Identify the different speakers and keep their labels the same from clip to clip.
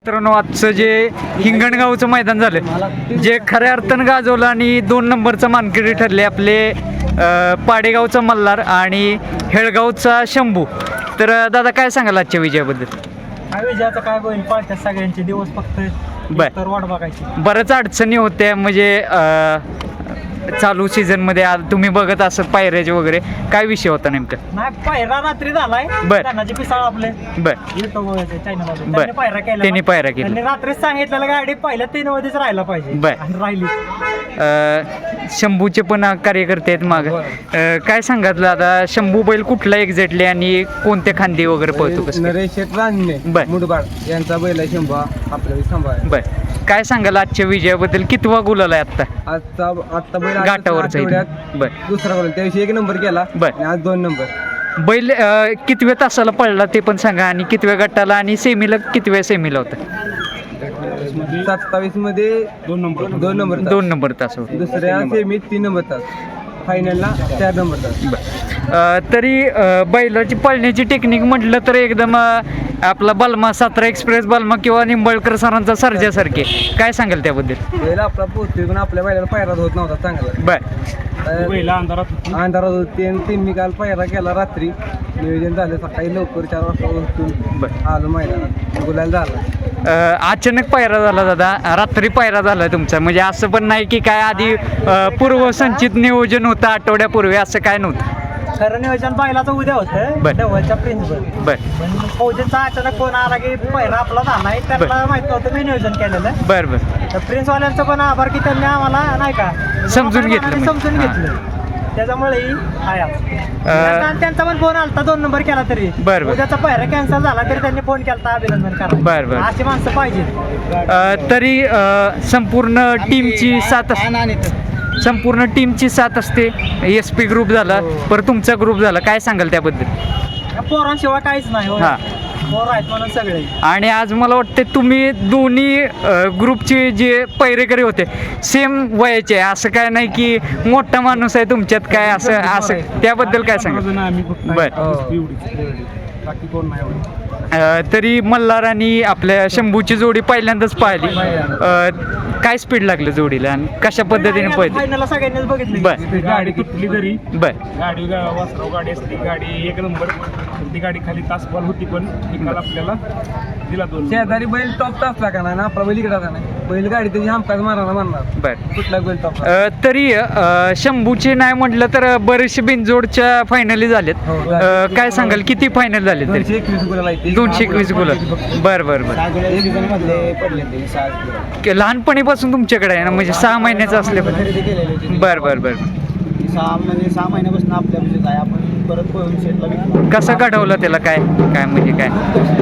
Speaker 1: मित्रांनो, आजचं जे हिंगणगावचं मैदान झालं, जे खऱ्या अर्थानं गाजवलं आणि 2 नंबरचा मानकरी ठरले आपले पाडेगावचा मल्हार आणि हेळगावचा शंभू. तर दादा काय सांगाल आजच्या विजयाबद्दल?
Speaker 2: काय विजयाचं काय होईल, पाळत्यात सगळ्यांचे दिवस फक्त तर वाट बघायची.
Speaker 1: बऱ्याच अडचणी होत्या म्हणजे चालू सीझनमध्ये तुम्ही बघत असत पायऱ्याचे वगैरे, काय विषय होता नेमका?
Speaker 2: नाही, पायरा रात्री झालाय.
Speaker 1: बर.
Speaker 2: त्यांनाचे पिसाळ आपले
Speaker 1: बर
Speaker 2: त्यांनी पायरा केला.
Speaker 1: त्यांनी पायरा केला.
Speaker 2: त्यांनी रात्रीच सांगितलेलं गाडी पहिल्या 3 मध्येच राहायला पाहिजे.
Speaker 1: बर.
Speaker 2: आणि राहिली.
Speaker 1: शंभूचे पण कार्यकर्ते आहेत माग. काय सांगितलं आता, शंभू बैल कुठला एक्झॅक्टली आणि कोणत्या खांदी वगैरे पळतो कसं?
Speaker 3: नरेश रानने
Speaker 1: बर.
Speaker 3: मुडबाड यांचा बैल आहे शंभू आपल्याला सांभाळ.
Speaker 1: बर. काय सांगाल आजच्या विजयाबद्दल? कितवा गुलाल आहे आता
Speaker 3: आत्ता बैल
Speaker 1: घाटावरचा आहे.
Speaker 3: आठवड्यात
Speaker 1: बर.
Speaker 3: दुसरा गोल, त्या दिवशी 1 नंबर केला.
Speaker 1: बर.
Speaker 3: आणि आज 2 नंबर.
Speaker 1: बैल कितव्या तासाला पडला ते पण सांगा, आणि कितव्या गटाला आणि सेमीला कितव्या सेमीला होता?
Speaker 3: 27 मध्ये 2 नंबर
Speaker 1: 2 नंबर तास होता.
Speaker 3: दुसऱ्या सेमीत 3 नंबर तास, फायनलला 4 नंबर तास.
Speaker 1: तरी बैलाची पळण्याची टेक्निक म्हटलं तर एकदम आपला बलमा, 17 एक्सप्रेस बलमा किंवा निंबाळकर सरांचा सर्जासारखे. काय सांगाल त्याबद्दल?
Speaker 3: बैल आपला पोहोचतोय पण आपल्या बैलाला पायरा होत नव्हता चांगला.
Speaker 1: बर.
Speaker 3: अंधारात होते आणि त्यांनी काल पायरा केला. रात्री नियोजन झालं, सकाळी लवकर 4 वाजता उठून
Speaker 1: बर.
Speaker 3: आलो मैदानात, गुलाल झाला.
Speaker 1: अचानक पायरा झाला दादा, रात्री पायरा झाला तुमचा, म्हणजे असं पण नाही की काय आधी पूर्वसंचित नियोजन होतं आठवड्यापूर्वी, असं काय नव्हतं?
Speaker 2: खरं नियोजन बैलाचं उद्या होतं
Speaker 1: बर.
Speaker 2: डवळच्या प्रिन्सवर.
Speaker 1: बर
Speaker 2: पण फौजेचा अचानक फोन आला की पहिला आपला झालाय. त्यांना माहित नव्हतं मी नियोजन केलेलं.
Speaker 1: बर बर.
Speaker 2: तर प्रिन्सवाल्यांचं पण आभार की त्यांनी आम्हाला नाही का
Speaker 1: समजून घेतलं.
Speaker 2: समजून
Speaker 1: हां.
Speaker 2: घेतलं. त्याच्यामुळेही आणि त्यांचा पण फोन आलता 2 नंबर केला तरी.
Speaker 1: बर बर.
Speaker 2: उद्याचा पहिला कॅन्सल झाला तरी त्यांनी फोन केला अभिनंदन करा.
Speaker 1: बर बर.
Speaker 2: अशी माणसं पाहिजे.
Speaker 1: तरी संपूर्ण टीमची संपूर्ण टीमची साथ असते. SP ग्रुप झाला, परत तुमचा ग्रुप झाला, काय सांगाल त्याबद्दल?
Speaker 2: पोरांशिवाय काहीच नाही.
Speaker 1: हां.
Speaker 2: पोर आहेत म्हणून सगळे.
Speaker 1: आणि आज मला वाटते तुम्ही दोन्ही ग्रुपचे जे पैरेकरी होते सेम वयाचे, असं काय नाही की मोठा माणूस आहे तुमच्यात काय असं त्याबद्दल काय सांगा? बर.
Speaker 2: बाकी कोण नाही.
Speaker 1: तरी मल्हार आणि आपल्या शंभूची जोडी पहिल्यांदाच पाहिली. काय स्पीड लागलं जोडीला आणि कशा पद्धतीने पळते?
Speaker 2: फायनलला सगळ्यांनीच बघितलं.
Speaker 1: बर.
Speaker 4: गाडी तुटली तरी
Speaker 1: बर.
Speaker 4: गाडी वासराव गाडी असली, गाडी 1 नंबर. ती गाडी खाली तासभर होती पण निकाल आपल्याला दिला 2.
Speaker 3: शेजारी बैल टॉप असला का नाही ना, आपला बैल इकडे नाही, बैल गाडी त्याची हमखास मारायला मारणार.
Speaker 1: बर.
Speaker 3: कुठला बैल टॉप?
Speaker 1: तरी शंभूचे नाही म्हटलं तर बरेचसे बिनजोडच्या फायनली झालेत. काय सांगाल किती फायनल झाले तरी?
Speaker 3: 221 गुलाल आहे.
Speaker 1: 221 गुलाल. बर बर बर. लहानपणीपासून तुमच्याकडे आहे ना, म्हणजे 6 महिन्याचं असल्यापासून? बर बर बर.
Speaker 2: 6 महिन्यापासून आपल्या म्हणजे काय आपण परत पळून शेतला विकला.
Speaker 1: कसं घडवलं त्याला, काय काय म्हणजे काय?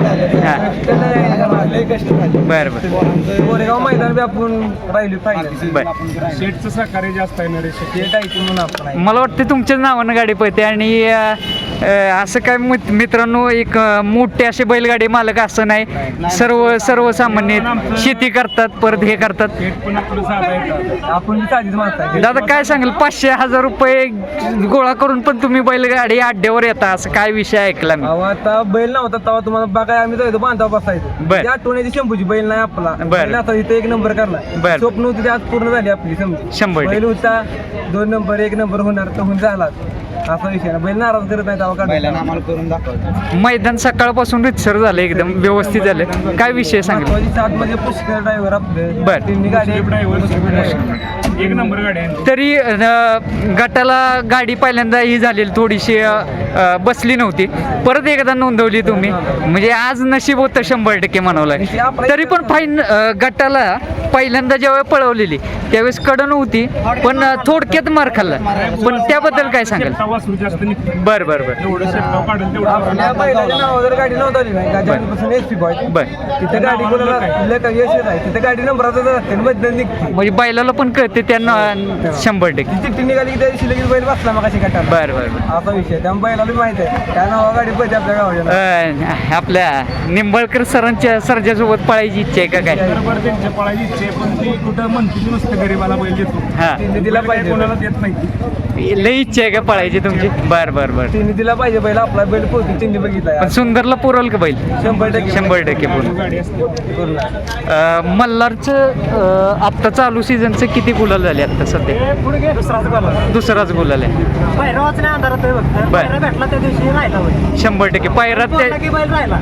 Speaker 1: बर बर.
Speaker 3: कोरेगाव मैदान बी आपण राहिली पाहिजे.
Speaker 1: बर.
Speaker 4: शेटचं सहकार्य जास्त आहे नरेश.
Speaker 3: शेट आहे की म्हणून आपण आहे.
Speaker 1: मला वाटतं तुमच्याच नावानं गाडी पळते. आणि असं काय मित्रांनो, एक मोठे असे बैलगाडी मालक असं नाही, सर्वसामान्य शेती करतात, परत हे करतात.
Speaker 4: शेट पण आपलं साधा आहे.
Speaker 3: आपण बी साधीच माणसं आहे.
Speaker 1: दादा काय सांगाल, 500,000 रुपये गोळा करून पण तुम्ही बैलगाडी अड्ड्यावर येता, असं काय विषय ऐकला मी?
Speaker 3: अहो, आता बैल नव्हता तेव्हा तुम्हाला बघाय आम्ही जायचो, बांधाव बसायचो.
Speaker 1: बर.
Speaker 3: त्या आठवण्याची शंभूची बैल नाही आपला.
Speaker 1: बर.
Speaker 3: बैल आता इथे 1 नंबर
Speaker 1: बर.
Speaker 3: करणार. स्वप्न होती ते आज पूर्ण झाली आपली.
Speaker 1: 100%.
Speaker 3: बैल होता 2 नंबर 1 नंबर होणार तर होऊन झाला. असा विषय ना, बैल नाराज करत नाही तेव्हा आम्हाला करून दाखवतो.
Speaker 1: मैदान सकाळपासून रितसर झालं, एकदम व्यवस्थित झालं. काय विषय सांगितलं?
Speaker 3: 7 मध्ये पुष्कर ड्रायव्हर आपले.
Speaker 1: बर.
Speaker 3: त्यांनी गाडी
Speaker 4: ड्रायव्हर 1 नंबर गाडी आहे.
Speaker 1: तरी गटाला गाडी पहिल्यांदा ही झालेली थोडीशी बसली नव्हती, परत एकदा नोंदवली तुम्ही, म्हणजे आज नशीब होतं 100% म्हणावं लागेल. तरी पण गटाला पहिल्यांदा ज्यावेळेस पळवलेली त्यावेळेस कडन होती, पण थोडक्यात मार खाल्ला, पण त्याबद्दल काय सांगाल?
Speaker 4: शेटचा वासरू जास्त निघतो.
Speaker 1: बर बर बर.
Speaker 4: एवढं शेटगाव काढून तेवढं
Speaker 3: आपल्या बैलाच्या नावावर गाडी नोंदवली नाही. गाजवलीपासून SP बॉय.
Speaker 1: बर.
Speaker 3: तिथे गाडी कोणाला यश आहे, तिथे गाडी नंबराचा असते बद्दल निघते.
Speaker 1: म्हणजे बैलाला पण कळते त्यांना 100%.
Speaker 3: चिठ्ठी निघाली की त्या दिवशी लगेच बैल बसला मग कशी गटाला.
Speaker 1: बर बर बर.
Speaker 3: असा विषय त्यामुळे बैलाला माहित आहे त्या नावा गाडी पळते आपल्या गावाच्या.
Speaker 1: आपल्या निंबाळकर सरांच्या सर्जासोबत पळायची इच्छा आहे का काय?
Speaker 4: बरोबर त्यांच्या पळायची इच्छा आहे, पण ती कुठं म्हणते नुसतं गरीबाला बैल देतो.
Speaker 1: हा
Speaker 3: तिने दिला
Speaker 4: बैल काय
Speaker 3: पाहिजे
Speaker 4: कोणाला देत नाही.
Speaker 1: लई इच्छा आहे का पळायची तुमची बर बर बर
Speaker 3: तिने दिला पाहिजे बैल आपला बैल पोहोचून तिने बघितला
Speaker 1: पण सुंदरला पुरल का बैल
Speaker 3: 100%
Speaker 1: 100% पूर्ण
Speaker 4: गाडी असते.
Speaker 1: मल्हारचं आत्ता चालू सीझनचं किती गुलाल झाले आता सध्या
Speaker 2: हे पुढे गेलो दुसराच बोला
Speaker 1: दुसराच गुलाल आहे
Speaker 2: पहिरावाच नाही अंधारात आहे फक्त
Speaker 1: बर.
Speaker 2: पहिरा भेटला त्या दिवशी राहिला बैल.
Speaker 1: 100% पायरात
Speaker 2: बोलला की बैल राहिला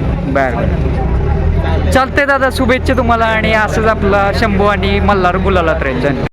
Speaker 1: बर चालतंय दादा शुभेच्छा तुम्हाला आणि असंच आपला शंभू आणि मल्हार गुलालात राहील धन्यवाद.